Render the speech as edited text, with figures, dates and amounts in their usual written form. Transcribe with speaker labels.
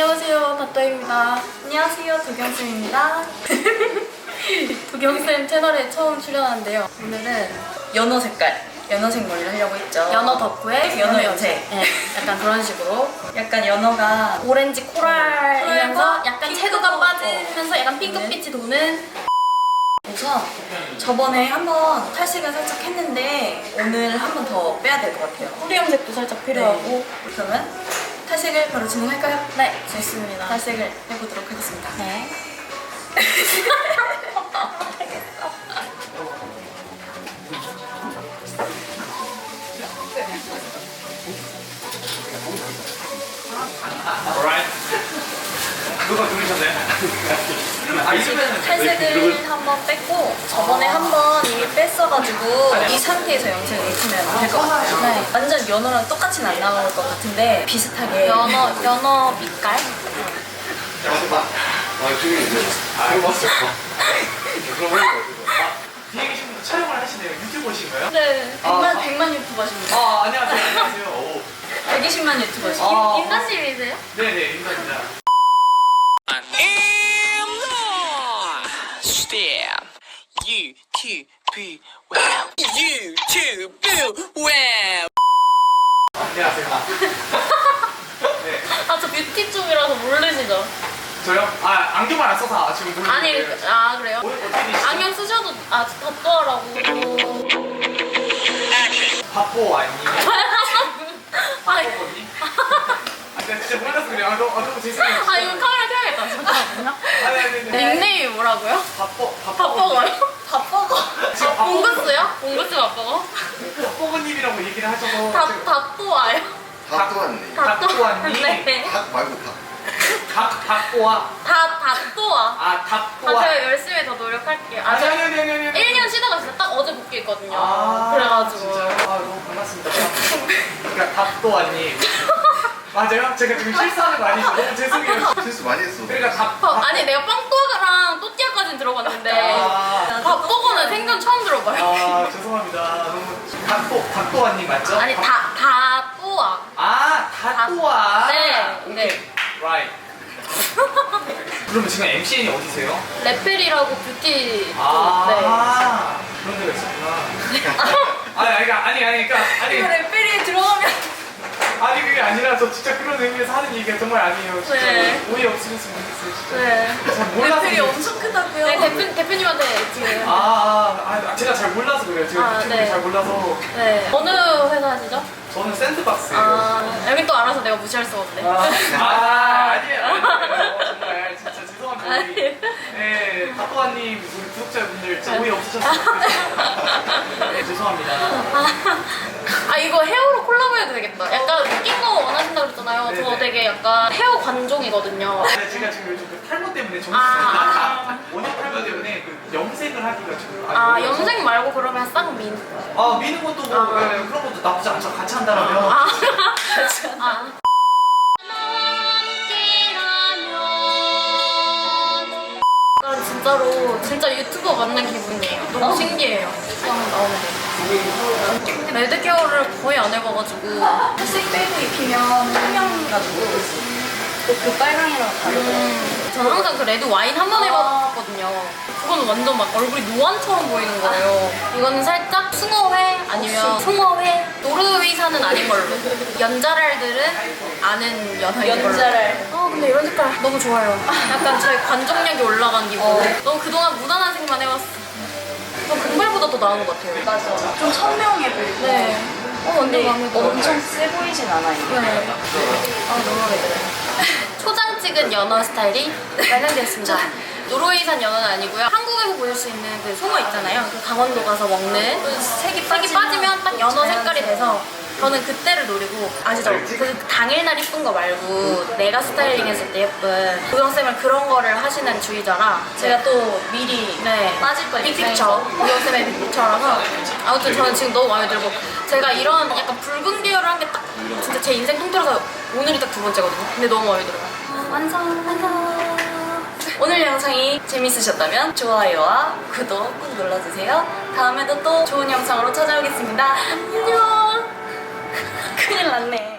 Speaker 1: 안녕하세요, 닷더입니다. 안녕하세요, 도경쌤입니다. 도경쌤 채널에 처음 출연하는데요. 오늘은 연어 색깔, 연어색 머리를 하려고 했죠. 연어 덕후에 연어 염색. 네, 약간 그런 식으로. 약간 연어가 오렌지 코랄이면서 약간 채도가 빠지면서 약간 핑크빛이 도는. 그래서 저번에 한번 탈색을 살짝 했는데 오늘 한 번 더 빼야 될 것 같아요. 뿌리 염색도 살짝 필요하고. 네. 그러면 탈색을 바로 진행할까요? 네, 좋습니다. 탈색을 해보도록 하겠습니다. 네.
Speaker 2: 누가 누르셨나요?
Speaker 1: 탈색을 한번 뺐고 저번에 한번 이미 뺐어가지고 이 상태에서 염색을 입히면 될 것 같아요. 네. 완전 연어랑 똑같이는 안 나올 것 같은데 비슷하게 연어 빛깔?
Speaker 2: 뒤에 계신 분도 촬영을 하시네요. 유튜버신가요?
Speaker 1: 네, 100만 유튜버십니다.
Speaker 2: 안녕하세요. 안녕하세요.
Speaker 1: 120만 유튜버십니다. 임단님이세요?
Speaker 2: 네네, 인사입니다.
Speaker 3: 유튜브 와우 유튜브 와우
Speaker 2: 안녕하세요. 네.
Speaker 1: 저 뷰티 쪽이라서 모르시죠?
Speaker 2: 저요? 안경만 안 써서 지금 모르겠어요.
Speaker 1: 아니, 그래요?
Speaker 2: 어떻게 되시죠?
Speaker 1: 안경 쓰셔도 덧떠라고.
Speaker 2: 바보 아니에요?
Speaker 1: 아니,
Speaker 2: 바보니? 진짜 몰라서 그래요. 너무 죄송해요.
Speaker 1: 이거 카메라 켜야겠다. 잠깐만요.
Speaker 2: 아니.
Speaker 1: 닉네임이 뭐라고요? 밥버거요? 밥버거? 봉구스요? 봉구스 밥버거?
Speaker 2: 바보님이라고 얘기를 하셔서.
Speaker 1: 닭도와요?
Speaker 4: 닭도왔네.
Speaker 2: 닭도왔니?
Speaker 1: 네.
Speaker 4: 닭 말고 닭.
Speaker 2: 닭도와.
Speaker 1: 닭도와.
Speaker 2: 닭도와.
Speaker 1: 제가 열심히 더 노력할게요.
Speaker 2: 아니.
Speaker 1: 저 1년 쉬다가 진짜 딱 어제 복귀했거든요. 그래가지고.
Speaker 2: 진짜? 너무 반갑습니다. 그러니까 닭도와님. 맞아요? 제가 지금 실수하는 거 아니죠? 너무 죄송해요.
Speaker 4: 실수 많이 했어.
Speaker 2: 그러니까
Speaker 1: 아니 내가 빵또아랑 또띠아까지는 들어봤는데 밥버거는 생전 처음 들어봐요.
Speaker 2: 죄송합니다. 너무 닭도와님 맞죠?
Speaker 1: 아니 다또아.
Speaker 2: 닭도와.
Speaker 1: 네.
Speaker 2: Right. 그러면 지금 MCN이 어디세요?
Speaker 1: 레펠이라고 뷰티. 네.
Speaker 2: 그런 데가 있었구나. 아니.
Speaker 1: 레펠이 들어가면.
Speaker 2: 아니 그게 아니라 저 진짜 그런 의미에서 하는 얘기가 정말 아니에요. 진짜
Speaker 1: 네.
Speaker 2: 오해 없으셨으면 좋겠어요. 진짜.
Speaker 1: 네.
Speaker 2: 잘 몰라서.
Speaker 1: 레펠이 엄청 크다고요? 네, 대표님한테 지금.
Speaker 2: 제가 잘 몰라서 그래요. 제가 유튜브를
Speaker 1: 네.
Speaker 2: 잘 몰라서.
Speaker 1: 네. 어느 회사 하시죠?
Speaker 2: 저는 샌드박스예요.
Speaker 1: 여기 또 알아서 내가 무시할 수가 없네.
Speaker 2: 아니에요. 정말 진짜 죄송합니다.
Speaker 1: 아니에요.
Speaker 2: 네, 닭도아님 우리 구독자분들 진짜 오해 없으셨으면 좋겠어요. 네, 죄송합니다.
Speaker 1: 이거 헤어로 콜라보해도 되겠다. 약간 웃긴 거 원하신다고 그랬잖아요. 저
Speaker 2: 네네.
Speaker 1: 되게 약간 헤어 관종이거든요.
Speaker 2: 제가 지금 요즘 그 탈모 때문에 원형 탈모 때문에 그 염색을 하기가 지금
Speaker 1: 염색 말고 그러면 쌍민.
Speaker 2: 미는 것도 뭐 그런 것도 나쁘지 않죠. 같이 한다라면. 진짜 유튜버 만난 기분이에요. 너무 신기해요. 나오면 돼요. 레드 케어를 거의 안 해봐가지고 탈색 빼고 입히면 투명해가지고 그 빨강이랑 다르고 저는 항상 그 레드 와인 한 번 해봤거든요. 그거는 완전 막 얼굴이 노안처럼 보이는 거예요. 이거는 살짝 숭어회 아니면 송어회 노르웨이산은 아닌 걸로. 연자랄들은 아는 연어인 걸로. 근데 이런 색깔 너무 좋아요. 약간 저의 관종력이 올라간 기분. 너무 그동안 무난한 색만 해왔어. 저 금발보다 더 나은 것 같아요.
Speaker 5: 맞아. 좀 선명해 보이고.
Speaker 1: 네.
Speaker 5: 근데
Speaker 1: 마음에 들어요.
Speaker 5: 엄청 세 보이진 않아요.
Speaker 1: 네. 너무 마음에 들어요. 초장 찍은 연어 스타일이 완성되었습니다. 노르웨이산 연어는 아니고요. 한국에서 보실 수 있는 그 송어 있잖아요. 그 강원도 가서 먹는 그 색이 빠지면 딱 연어 색깔이 돼서 저는 그때를 노리고 아시죠? 그 당일날 이쁜 거 말고 내가 스타일링 했을 때 예쁜 도경쌤은 그런 거를 하시는 주의자라 제가 또 미리
Speaker 5: 빠질 뻔
Speaker 1: 빅픽처 도경쌤의 빅픽처라서 아무튼 저는 지금 너무 마음에 들고 제가 이런 약간 붉은 계열을 한 게 딱 진짜 제 인생 통틀어서 오늘이 딱 2번째거든요. 근데 너무 마음에 들어요. 완성. 오늘 영상이 재밌으셨다면 좋아요와 구독 꾹 눌러주세요. 다음에도 또 좋은 영상으로 찾아오겠습니다. 안녕. 큰일 났네.